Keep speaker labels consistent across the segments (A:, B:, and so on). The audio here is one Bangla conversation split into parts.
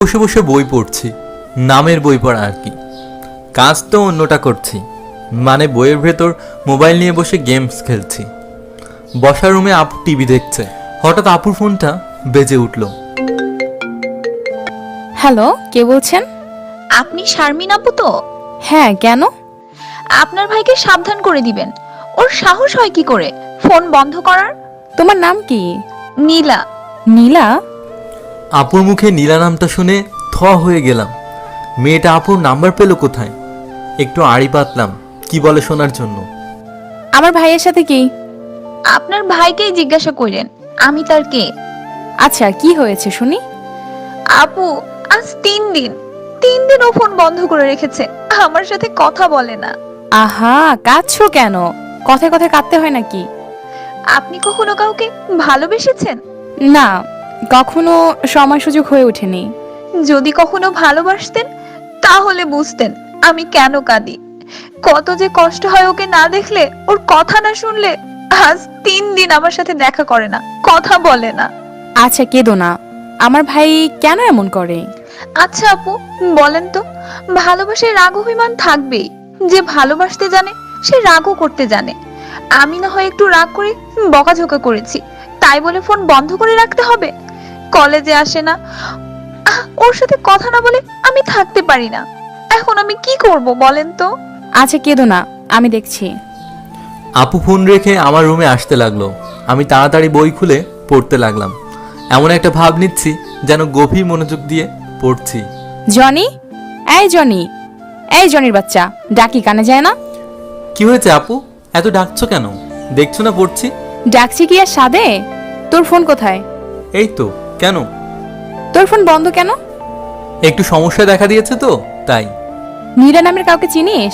A: বসে বসে বই পড়ছি, নামের বই পড়া আর কি। কাজ তো অন্যটা করছি, মানে বইয়ের ভেতর মোবাইল নিয়ে বসে গেমস খেলছি। বসার রুমে আপু টিভি দেখছে, হঠাৎ আপুর ফোনটা বেজে উঠল।
B: হ্যালো, কে বলছেন?
C: আপনি শারমিন আপু তো?
B: হ্যাঁ, কেন?
C: আপনার ভাইকে সাবধান করে দিবেন। ওর সাহস হয় কি করে ফোন বন্ধ করার?
B: তোমার নাম কি?
C: নীলা।
B: নীলা?
A: আপুর মুখে নীলা নামটা শুনে থ হয়ে গেলাম। মেয়েটা আপুর নাম্বার পেল কোথায়? একটু আড়ি পাতলাম কি বলে শোনার জন্য।
B: আমার ভাইয়ের সাথে কি?
C: আপনার ভাইকেই জিজ্ঞাসা করেন আমি তার কে।
B: আচ্ছা, কি হয়েছে শুনি।
C: আপু, আজ 3 দিন ও ফোন বন্ধ করে রেখেছে, আমার সাথে কথা বলে না।
B: আহা, কাঁদছো কেন? কথায় কথায় কাঁদতে হয় নাকি?
C: আপনি কখনো কাউকে ভালোবেসেছেন?
B: না, কখনো সময় সুযোগ হয়ে ওঠেনি।
C: যদি কখনো ভালোবাসতেন তাহলে বুঝতেন আমি কেন কাঁদি। কত যে কষ্ট হয় ওকে না দেখলে, ওর কথা না শুনলে। আজ 3 দিন আমার সাথে দেখা করে না, কথা বলে না।
B: আচ্ছা, কেঁদো না। আমার ভাই কেন এমন করে?
C: আচ্ছা আপু, বলেন তো, ভালোবাসায় রাগ অভিমান থাকবেই। যে ভালোবাসতে জানে সে রাগও করতে জানে। আমি না হয় একটু রাগ করে বকাঝকা করেছি, তাই বলে ফোন বন্ধ করে রাখতে হবে? কলেজে আসে না, ওর সাথে কথা না বলে আমি থাকতে পারি না। এখন আমি কি করব বলেন তো?
B: আচ্ছা, কেঁদো না, আমি দেখছি।
A: আপু ফোন রেখে আমার রুমে আসতে লাগলো। আমি তাড়াতাড়ি বই খুলে পড়তে লাগলাম। এমন একটা ভাব নিচ্ছি যেন গভীর মনোযোগ দিয়ে পড়ছি।
B: জনি, এই জনি, এই জনির বাচ্চা, ডাকি কানে যায় না?
A: কি হয়েছে আপু, এত ডাকছো কেন? দেখছো না পড়ছি।
B: ডাকছি কি আর সাদে? তোর ফোন কোথায়?
A: এই তো, কেন?
B: তোর ফোন বন্ধ কেন?
A: একটু সমস্যা দেখা দিয়েছে তো তাই।
B: নীলা নামের কাউকে চিনিস?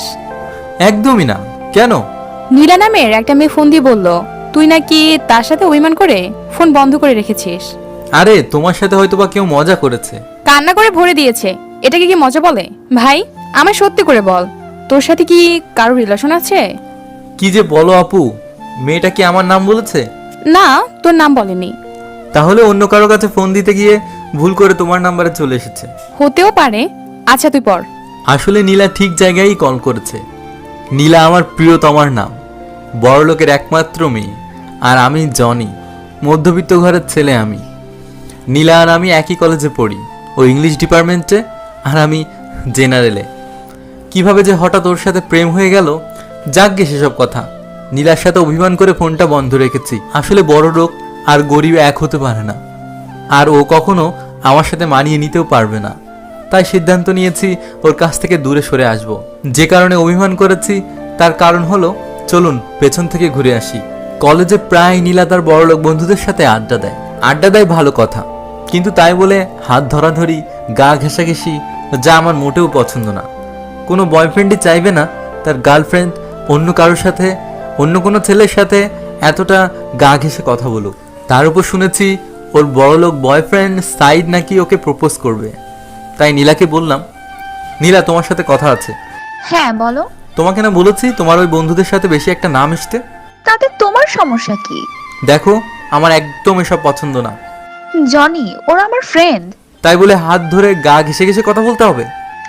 A: একদমই না, কেন?
B: নীলা নামের একটা মেয়ে ফোন দিয়ে বলল তুই নাকি তার সাথে অভিমান করে ফোন বন্ধ করে রেখেছিস।
A: আরে তোমার সাথে হয়তো বা কেউ মজা করেছে।
B: কান্না করে ভরে দিয়েছে, এটাকে কি মজা বলে? ভাই, আমায় সত্যি করে বল, তোর সাথে কি কারো রিলেশন আছে?
A: কি যে বলো আপু, মেয়েটা কি আমার নাম বলেছে?
B: না, তোর নাম বলেনি।
A: তাহলে অন্য কারো কাছে ফোন দিতে গিয়ে ভুল করে তোমার নাম্বারে চলে এসেছে।
B: হতেও পারে। আচ্ছা, তুই পড়।
A: আসলে নীলা ঠিক জায়গায়ই কল করেছে। নীলা আমার প্রিয়তমার নাম, বড়লোকের একমাত্র মেয়ে। আর আমি জনি, মধ্যবিত্ত ঘরের ছেলে। আমি নীলা আর আমি একই কলেজে পড়ি, ও ইংলিশ ডিপার্টমেন্টে আর আমি জেনারেলে। কিভাবে যে হঠাৎ ওর সাথে প্রেম হয়ে গেল, যাকগে সেসব কথা। নীলার সাথে অভিমান করে ফোনটা বন্ধ রেখেছি। আসলে বড় লোক আর গরিব এক হতে পারে না, আর ও কখনো আমার সাথে মানিয়ে নিতেও পারবে না। তাই সিদ্ধান্ত নিয়েছি ওর কাছ থেকে দূরে সরে আসব। যে কারণে অভিমান করেছি তার কারণ হলো, চলুন পেছন থেকে ঘুরে আসি। কলেজে প্রায় নীলা তার বড়লোক বন্ধুদের সাথে আড্ডা দেয় ভালো কথা, কিন্তু তাই বলে হাত ধরাধরি, গা ঘেঁষাঘেঁষি, যা আমার মোটেও পছন্দ না। কোনো বয়ফ্রেন্ডই চাইবে না তার গার্লফ্রেন্ড অন্য কারোর সাথে, অন্য কোনো ছেলের সাথে এতটা গা ঘেঁষে কথা বলুক। তার উপর শুনেছি ওর বড়লোক বয়ফ্রেন্ড সাইদ নাকি ওকে প্রপোজ করবে। তাই নীলাকে বললাম, নীলা তোমার সাথে কথা আছে।
C: হ্যাঁ বলো।
A: তোমাকে না বলেছি তোমার ওই বন্ধুদের সাথে বেশি একটা নাম মিশতে?
C: তাতে তোমার সমস্যা কি?
A: দেখো, আমার একদম এসব পছন্দ না।
C: জনি, ওরা আমার ফ্রেন্ড।
A: তাই বলে হাত ধরে গা ঘেঁষে ঘেঁষে কথা বলতে হবে?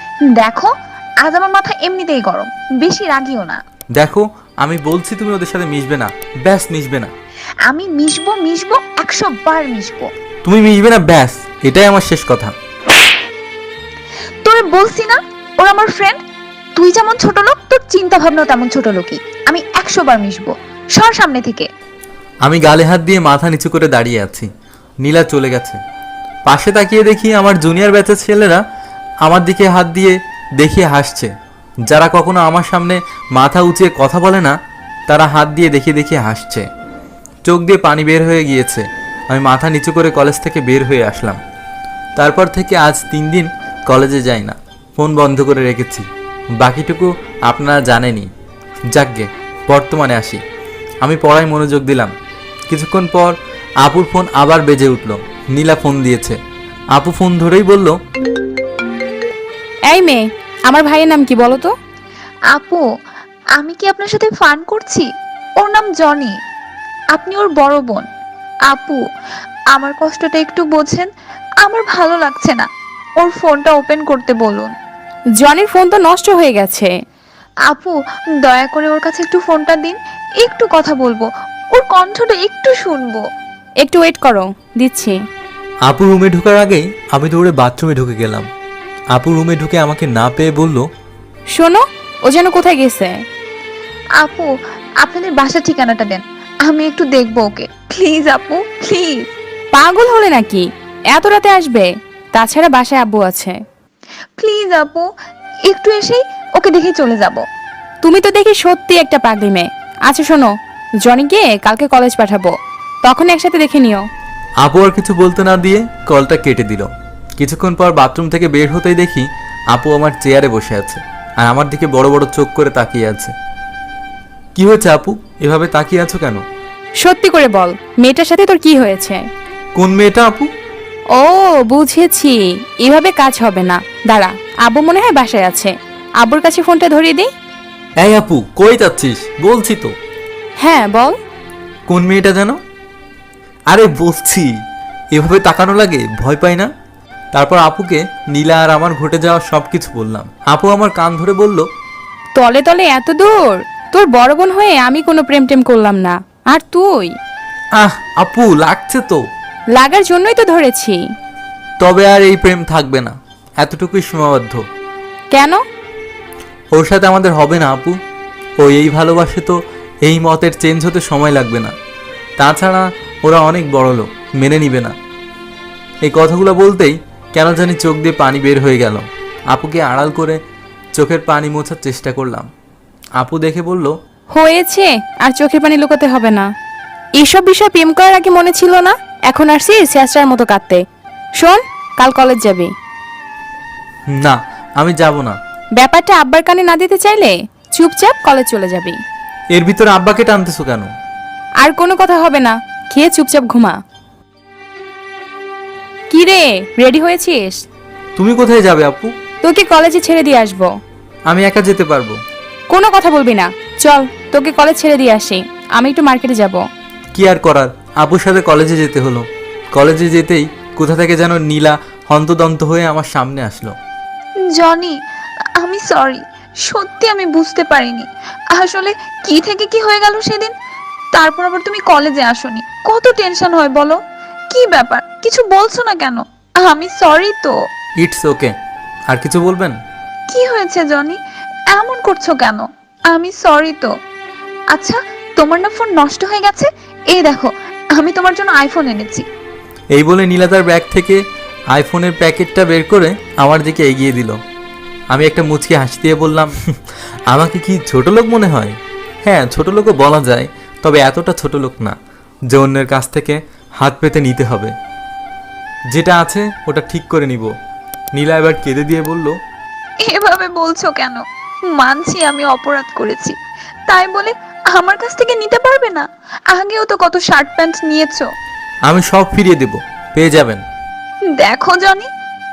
C: দেখো, আজ আমার মাথা এমনিতেই গরম, বেশি রাগিও না।
A: দেখো, আমি বলছি তুমি ওদের সাথে মিশবে না, ব্যাস মিশবে না।
C: আমি মিশবো মিশবো, 100 বার মিশবো।
A: তুমি মিশবে না, ব্যাস, এটাই আমার শেষ কথা।
C: তোরে বলছি না ওরা আমার ফ্রেন্ড। তুই যেমন ছোট লোক, তোর চিন্তা ভাবনা তেমন ছোট লোকই। আমি 100 বার মিশবো, সর সামনে থেকে।
A: আমি গালে হাত দিয়ে মাথা নিচু করে দাঁড়িয়ে আছি। নীলা চলে গেছে। পাশে তাকিয়ে দেখি আমার জুনিয়র ব্যাচের ছেলেরা আমার দিকে হাত দিয়ে দেখিয়ে হাসছে। যারা কখনো আমার সামনে মাথা উঁচিয়ে কথা বলে না, তারা হাত দিয়ে দেখিয়ে দেখিয়ে হাসছে। চোখ দিয়ে পানি বের হয়ে গিয়েছে। আমি মাথা নিচু করে কলেজ থেকে বের হয়ে আসলাম। তারপর থেকে আজ 3 দিন কলেজে যাই না, ফোন বন্ধ করে রেখেছি। বাকিটুকু আপনারা জানেনই। যাকগে, বর্তমানে আসি। আমি পড়ায় মনোযোগ দিলাম। কিছুক্ষণ পর আপুর ফোন আবার বেজে উঠল। নীলা ফোন দিয়েছে। আপু ফোন ধরেই বলল,
B: এই মেয়ে, আমার ভাইয়ের নাম কি বলো তো?
C: আপু, আমি কি আপনার সাথে ফান করছি? ওর নাম জনি, আপনি ওর বড় বোন। আপু, আমার কষ্টটা একটু বোঝেন, আমার ভালো লাগছে না। ওর ফোনটা ওপেন করতে বলুন।
B: জনির ফোন তো নষ্ট হয়ে গেছে।
C: আপু, দয়া করে ওর কাছে একটু ফোনটা দিন, একটু কথা বলবো, ওর কণ্ঠটা একটু শুনবো।
B: একটু ওয়েট করো, দিচ্ছি।
A: আপু রুমে ঢোকার আগেই আমি দৌড়ে বাথরুমে ঢুকে গেলাম। আপু রুমে ঢুকে আমাকে না পেয়ে বলল,
B: শোনো, ও যেন কোথায় গেছে।
C: আপু, আপনাদের বাসার ঠিকানাটা দেন, আমি একটু দেখবো ওকে, প্লিজ আপু, প্লিজ।
B: পাগল হলে নাকি? এত রাতে আসবে? তাছাড়া বাসায় আব্বু আছে।
C: প্লিজ আপু, একটু এসেই ওকে দেখে চলে যাব।
B: তুমি তো দেখি সত্যি একটা পাগলি মেয়ে। আচ্ছা শোনো, জনিকে কালকে কলেজ পাঠাবো, তখন একসাথে দেখে নিও।
A: আপু আর কিছু বলতে না দিয়ে কলটা কেটে দিল। কিছুক্ষণ পর বাথরুম থেকে বের হতেই দেখি আপু আমার চেয়ারে বসে আছে আর আমার দিকে বড় বড় চোখ করে তাকিয়ে আছে। কি হয়েছে আপু, এভাবে তাকিয়ে আছো কেন?
B: সত্যি করে বল, মেয়েটার সাথে তোর কি হয়েছে?
A: কোন মেয়েটা আপু?
B: ও বুঝেছি, এভাবে কাজ হবে না। দাঁড়া, আব্বু মনে হয় বাসায় আছে, আব্বুর কাছে ফোনটা ধরিয়ে দিই।
A: এই আপু, কই যাচ্ছিস? বলছি তো।
B: হ্যাঁ বল।
A: কোন মেয়েটা যেন? আরে বলছি, এভাবে তাকানো লাগে, ভয় পাই না? তারপর আপুকে নীলা আর আমার ঘটে যাওয়া সব কিছু বললাম। আপু আমার কান ধরে বলল,
B: তলে তলে এত দূর? তোর বড় বোন হয়ে আমি কোনো প্রেম টেম করলাম না, আর তুই?
A: আহ আপু, লাগছে তো।
B: লাগার জন্যই তো ধরেছি।
A: তবে আর এই প্রেম থাকবে না, এতটুকুই সীমাবদ্ধ।
B: কেন?
A: ওর সাথে আমাদের হবে না আপু। ও এই ভালোবাসে তো এই মতের চেঞ্জ হতে সময় লাগবে না। তাছাড়া ওরা অনেক বড় লোক, মেনে নিবে না। এই কথাগুলো বলতেই কেন জানি চোখ দিয়ে পানি বের হয়ে গেল। আপুকে আড়াল করে চোখের পানি মোছার চেষ্টা করলাম। আপু দেখে বলল,
B: হয়েছে, আর চোখের পানি লুকাতে হবে না। এইসব বিষয় প্রেম করার আগে মনে ছিল না, এখন আসছি শেষটার মতো কাঁদতে। শোন, কাল কলেজ যাবি।
A: না আমি যাব না।
B: ব্যাপারটা আব্বার কানে না দিতে চাইলে চুপচাপ কলেজ চলে যাবি।
A: এর ভিতরে আব্বাকে টানতেছো কেন?
B: আর কোনো কথা হবে না, খেয়ে চুপচাপ ঘুমা। কি রে, রেডি হয়েছিস?
A: তুমি কোথায় যাবে আপু?
B: তোকে কলেজে ছেড়ে দিয়ে আসবো।
A: আমি একা যেতে পারবো।
B: কোনো কথা বলবি না, চল তোকে কলেজ ছেড়ে দিয়ে আসি। আমি একটু মার্কেটে যাব।
A: কি আর করার, আপুর সাথে কলেজে যেতে হলো। কলেজে যেতেই কোথা থেকে যেন নীলা হন্তদন্ত হয়ে আমার সামনে আসলো।
C: জনি, আমি সরি, সত্যি আমি বুঝতে পারিনি আসলে কি থেকে কি হয়ে গেল সেদিন। তারপর আবার তুমি কলেজে আসোনি, কত টেনশন হয় বলো। কি ব্যাপার, কিছু বলছো না কেন? আমি সরি তো।
A: It's okay. আর কিছু বলবেন?
C: কি হয়েছে জনি, এমন করছো কেন? আমি সরি তো। আচ্ছা, তোমার না ফোন নষ্ট হয়ে গেছে, এই দেখো আমি তোমার জন্য আইফোন এনেছি।
A: এই বলে নীলা তার ব্যাগ থেকে আইফোনের প্যাকেটটা বের করে আমার দিকে এগিয়ে দিল। আমি একটা মুচকি হাসি দিয়ে বললাম, আমাকে কি ছোট লোক মনে হয়? হ্যাঁ, ছোট লোকও বলা যায়, তবে এতটা ছোট লোক না যে অন্যের কাছ থেকে হাত পেতে নিতে হবে। যেটা আছে ওটা ঠিক করে নিব। নীলা এবার কেঁদে দিয়ে বলল,
C: এভাবে বলছো কেন? মানছি আমি অপরাধ করেছি, তাই বলে আমার কাছ থেকে নিতে পারবে না? আগেও তো কত শার্ট প্যান্ট নিয়েছো।
A: আমি সব ফিরিয়ে দেব, পেয়ে যাবেন।
C: দেখো জনি,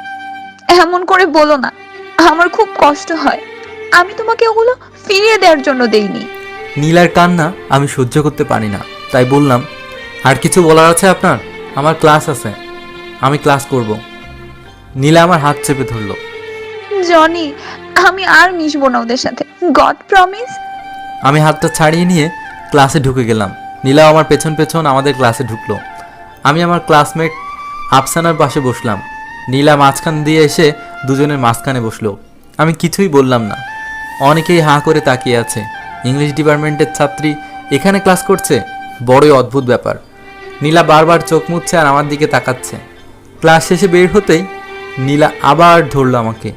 C: এমন করে বলো না, আমার খুব কষ্ট হয়। আমি তোমাকে ওগুলো ফিরিয়ে দেওয়ার জন্য দেইনি।
A: নীলার কান্না আমি সহ্য করতে পারি না, তাই বললাম, আর কিছু বলার আছে আপনার? আমার ক্লাস আছে, আমি ক্লাস করব। নীলা আমার হাত চেপে ধরলো।
C: জনি, আমি আর মিশবো না ওদের সাথে, গড প্রমিস।
A: আমি হাতটা ছাড়িয়ে নিয়ে ক্লাসে ঢুকে গেলাম। নীলা আমার পেছন পেছন আমাদের ক্লাসে ঢুকলো। আমি আমার ক্লাসমেট আফসানার পাশে বসলাম। নীলা মাঝখান দিয়ে এসে দুজনের মাঝখানে বসলো। আমি কিছুই বললাম না। অনেকেই হাঁ করে তাকিয়ে আছে। ইংলিশ ডিপার্টমেন্টের ছাত্রী এখানে ক্লাস করছে, বড়ই অদ্ভুত ব্যাপার। নীলা বারবার চোখ মুছছে আর আমার দিকে তাকাচ্ছে। ক্লাস শেষে বের হতেই নীলা আবার ধরলো আমাকে।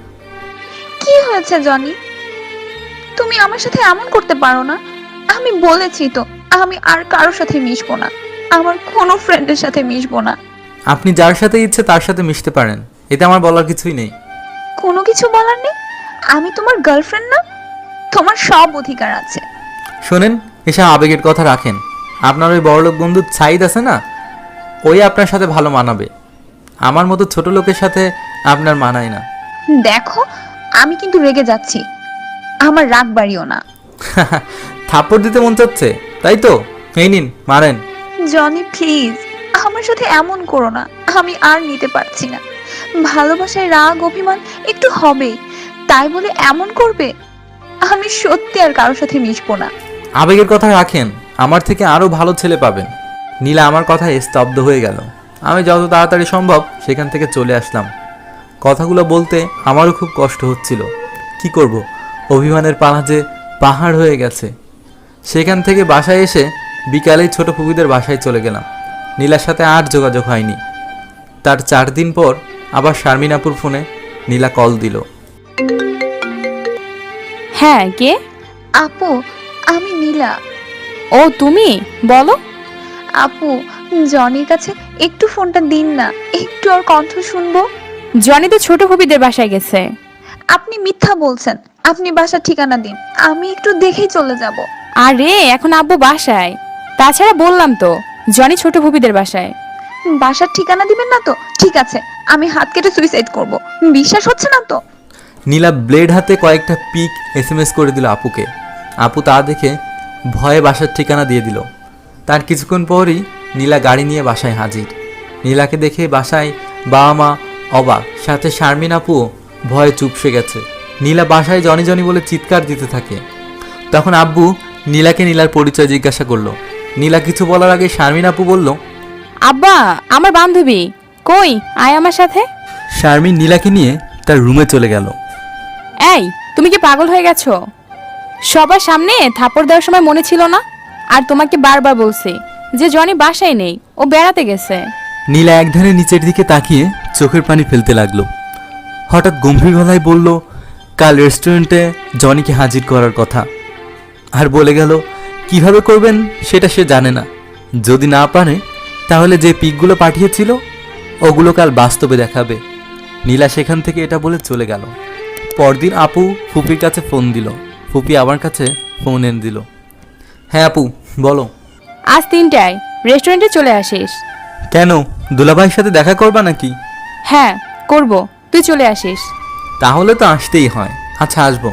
C: কি হয়েছে জনি, তুমি আমার সাথে এমন করতে পারো না। আমি বলেছি তো আমি আর কারোর সাথে মিশবো না, আমার কোনো ফ্রেন্ডের সাথে মিশবো না।
A: আপনি যার সাথে ইচ্ছে তার সাথে মিশতে পারেন, এতে আমার বলার কিছুই নেই।
C: কোনো কিছু বলার নেই? আমি তোমার গার্লফ্রেন্ড না? তোমার সব অধিকার আছে।
A: শোনেন, এসব আবেগের কথা রাখেন। আপনার ওই বড়লোক বন্ধু সাইদ আছে না, ওই আপনার সাথে ভালো মানাবে। আমার মতো ছোট লোকের সাথে আপনার মানায় না।
C: দেখো, আমি কিন্তু রেগে যাচ্ছি, আমার রাগ বাড়িও না।
A: থাপ্পড় দিতে মন চাচ্ছে, তাই তো? এই নিন, মারেন।
C: জনি প্লিজ, আমার সাথে এমন করো না, আমি আর নিতে পারছি না। ভালোবাসায় রাগ অভিমান একটু হবেই, তাই বলে এমন করবে? আমি সত্যি আর কারোর সাথে মিশবো না।
A: আবেগের কথা রাখেন, আমার থেকে আরও ভালো ছেলে পাবেন। নীলা আমার কথায় স্তব্ধ হয়ে গেল। আমি যত তাড়াতাড়ি সম্ভব সেখান থেকে চলে আসলাম। কথাগুলো বলতে আমারও খুব কষ্ট হচ্ছিল। কি করব, অভিমানের পালা যে পাহাড় হয়ে গেছে। সেখান থেকে বাসায় এসে বিকালেই ছোট ফুপিদের বাসায় চলে গেলাম। নীলার সাথে আর যোগাযোগ হয়নি। তার 4 দিন পর আবার শারমিন আপুর ফোনে নীলা কল দিল।
B: হ্যাঁ, কে?
C: আপু, আমি নীলা।
B: ও তুমি, বলো।
C: আপু, জনির কাছে একটু ফোনটা দিন না, একটু ওর কণ্ঠ শুনবো।
B: জনি তো ছোট ফুপিদের বাসায় গেছে।
C: আপনি মিথ্যা বলছেন। আপনি বাসার ঠিকানা দিন, আমি একটু দেখেই চলে যাব।
B: আরে এখন আব্বু বাসায়। তাছাড়া বললাম তো, জনি ছোট ফুপিদের বাসায়।
C: বাসার ঠিকানা দিবেন না তো? ঠিক আছে, আমি হাত কেটে সুইসাইড করব। বিশ্বাস হচ্ছে না তো?
A: নীলা ব্লেড হাতে কয়েকটা পিক SMS করে দিল আপুকে। আপু তা দেখে ভয়ে বাসার ঠিকানা দিয়ে দিল। তার কিছুক্ষণ পরই নীলা গাড়ি নিয়ে বাসায় হাজির। নীলাকে দেখে বাসায় বাবা মা অবাক, সাথে শারমিন আপুও ভয়ে চুপসে গেছে। নীলা বাসায় জনি জনি বলে চিৎকার দিতে থাকে। তখন আব্বু নীলাকে নীলার পরিচয় জিজ্ঞাসা করলো। নীলা কিছু বলার আগে শারমিন আপু বলল,
B: আব্বা, আমার বান্ধবী কই, আয় আমার সাথে।
A: শারমিন নীলাকে নিয়ে তার রুমে চলে গেল।
B: এই, তুমি কি পাগল হয়ে গেছো? সবার সামনে থাপড় দেওয়ার সময় মনে ছিল না? আর তোমাকে বারবার বলছি যে জনি বাসায় নেই, ও বেড়াতে গেছে।
A: নীলা একধারে নিচের দিকে তাকিয়ে চোখের পানি ফেলতে লাগলো। হঠাৎ গম্ভীর গলায় বলল, কাল রেস্টুরেন্টে জনিকে হাজির করার কথা। আর বলে গেল কিভাবে করবেন সেটা সে জানে না। যদি না পারে তাহলে যে পিকগুলো পাঠিয়েছিল ওগুলো কাল বাস্তবে দেখাবে। নীলা সেখান থেকে এটা বলে চলে গেল। পরদিন আপু ফুপির কাছে ফোন দিল। ফুপি আমার কাছে ফোন এনে দিল। হ্যাঁ আপু, বলো।
B: আজ 3টায় রেস্টুরেন্টে চলে আসিস।
A: কেন, দুলাভাইয়ের সাথে দেখা করবা নাকি?
B: হ্যাঁ, করব, তুই চলে আসিস।
A: তাহলে তো আসতেই হয়। আচ্ছা, আসবো।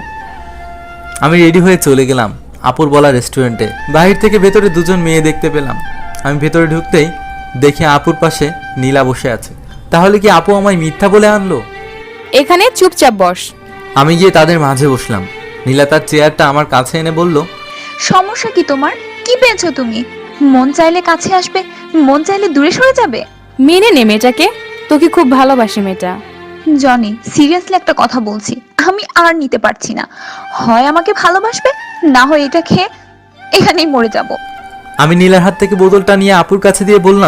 A: আমি রেডি হয়ে চলে গেলাম আপুর বলা রেস্টুরেন্টে। বাহির থেকে ভেতরে দুজন মেয়ে দেখতে পেলাম। আমি ভেতরে ঢুকতেই দেখি আপুর পাশে নীলা বসে আছে। তাহলে কি আপু আমায় মিথ্যা বলে আনলো?
B: এখানে চুপচাপ বস।
A: আমি গিয়ে তাদের মাঝে বসলাম। নীলা তার চেয়ারটা আমার কাছে এনে বলল,
C: সমস্যা কি তোমার? কি পেয়েছো তুমি? মন চাইলে কাছে আসবে, মন চাইলে দূরে সরে যাবে।
B: মেনে নে মেয়েটাকে, তোকে খুব ভালোবাসে মেয়েটা।
C: জনি, সিরিয়াসলি একটা কথা বলছি, আমি আর নিতে পারছি না। হয় আমাকে ভালোবাসবে, না হয় এটা খেয়ে এখানেই মরে যাব।
A: আমি নীলার হাত থেকে বোতলটা নিয়ে আপুর কাছে দিয়ে বললাম,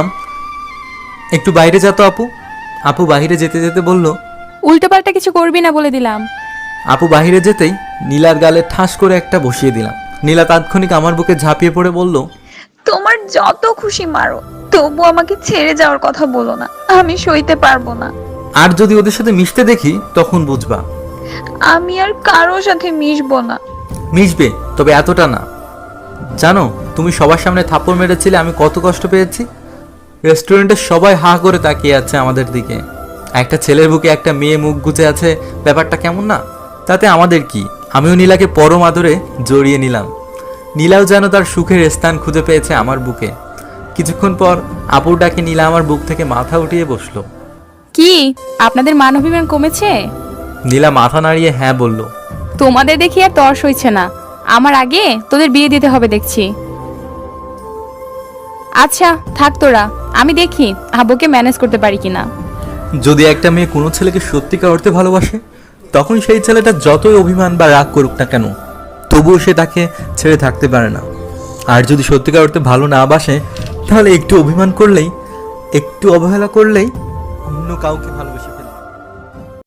A: একটু বাইরে যা তো আপু। আপু বাহিরে যেতে যেতে বলল,
B: উল্টোপাল্টা কিছু করবি না বলে দিলাম।
A: আপু বাহিরে যেতেই নীলার গালে ঠাস করে একটা বসিয়ে দিলাম। নীলা তাৎক্ষণিক আমার বুকে ঝাঁপিয়ে পড়ে বলল,
C: তোমার যত খুশি মারো, তবু আমাকে ছেড়ে যাওয়ার কথা বলো না, আমি সইতে পারবো না।
A: আর যদি ওদের সাথে মিশতে দেখি তখন বুঝবা।
C: আমি আর কারোর সাথে মিশবো না।
A: মিশবে, তবে এতটা না। জানো তুমি সবার সামনে থাপ্পড় মেরেছিলে, আমি কত কষ্ট পেয়েছি। রেস্টুরেন্টের সবাই হা করে তাকিয়ে আছে আমাদের দিকে। একটা ছেলের বুকে একটা মেয়ে মুখ গুজে আছে, ব্যাপারটা কেমন না? তাতে আমাদের কি? আমিও নীলাকে পরম আদরে জড়িয়ে নিলাম। নীলাও যেন তার সুখের স্থান খুঁজে পেয়েছে আমার বুকে। কিছুক্ষণ পর আপুর ডাকে নীলা আমার বুক থেকে মাথা উঠিয়ে বসলো।
B: কি আপনাদের মানবিমান কমেছে?
A: নীলা মাথা নাড়িয়ে হ্যাঁ বলল।
B: তোমাদের দেখি আর তর্স হইছে না। আমার আগে তোদের বিয়ে দিতে হবে দেখছি। আচ্ছা থাক তোরা, আমি দেখি আব্বুকে ম্যানেজ করতে পারি কিনা।
A: যদি একটা মেয়ে কোনো ছেলেকে সত্যিকার অর্থে ভালোবাসে, তখন সেই ছেলেটা যতই অভিমান বা রাগ করুক না কেন, তবুও সে তাকে ছেড়ে থাকতে পারে না। আর যদি সত্যিকার অর্থে ভালো না বাসে, তাহলে একটু অভিমান করলেই, একটু অবহেলা করলেই অন্য কাউকে ভালোবেসে